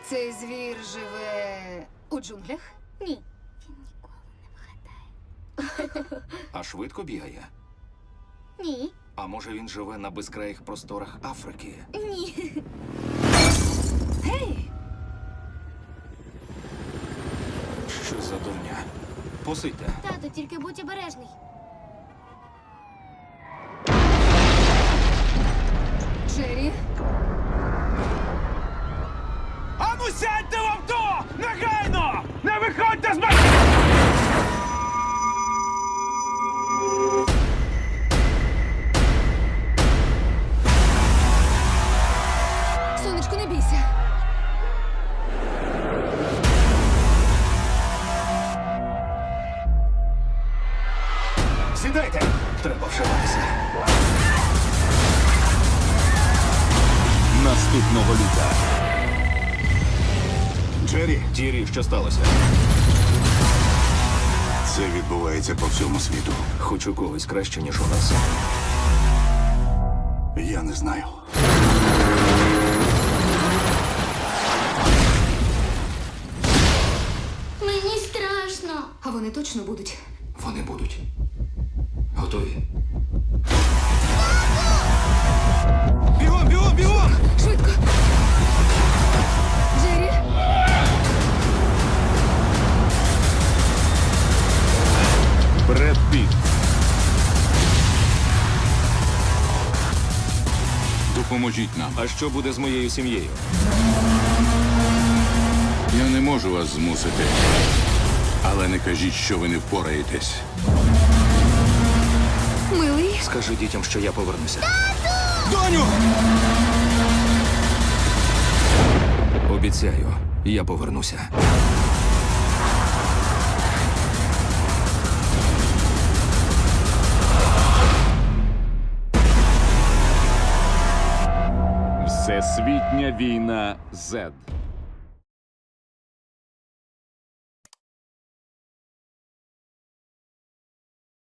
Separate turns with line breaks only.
Цей звір живе у джунглях?
Ні. Він ніколи не вгадає.
А швидко бігає?
Ні.
А може він живе на безкраїх просторах Африки?
Ні.
Гей!
Що за дурня? Посидьте.
Тато, тільки будь обережний.
Джері?
Ану сядьте в авто! Негайно! Не виходьте з машини!
Сонечко, не бійся.
Сідайте! Треба вшиватися.
Наступного літа.
Джері, Тірі, що сталося?
Це відбувається по всьому світу.
Хоч у когось краще, ніж у нас.
Я не знаю.
Мені страшно.
А вони точно будуть.
Вони будуть. Готові?
Бігом, бігом, бігом!
Швидко! Джері?
Бред Піт. Допоможіть нам.
А що буде з моєю сім'єю?
Я не можу вас змусити. Але не кажіть, що ви не впораєтесь.
Милий?
Скажи дітям, що я повернуся.
Доню!
Обіцяю, я повернуся.
Всесвітня війна Z.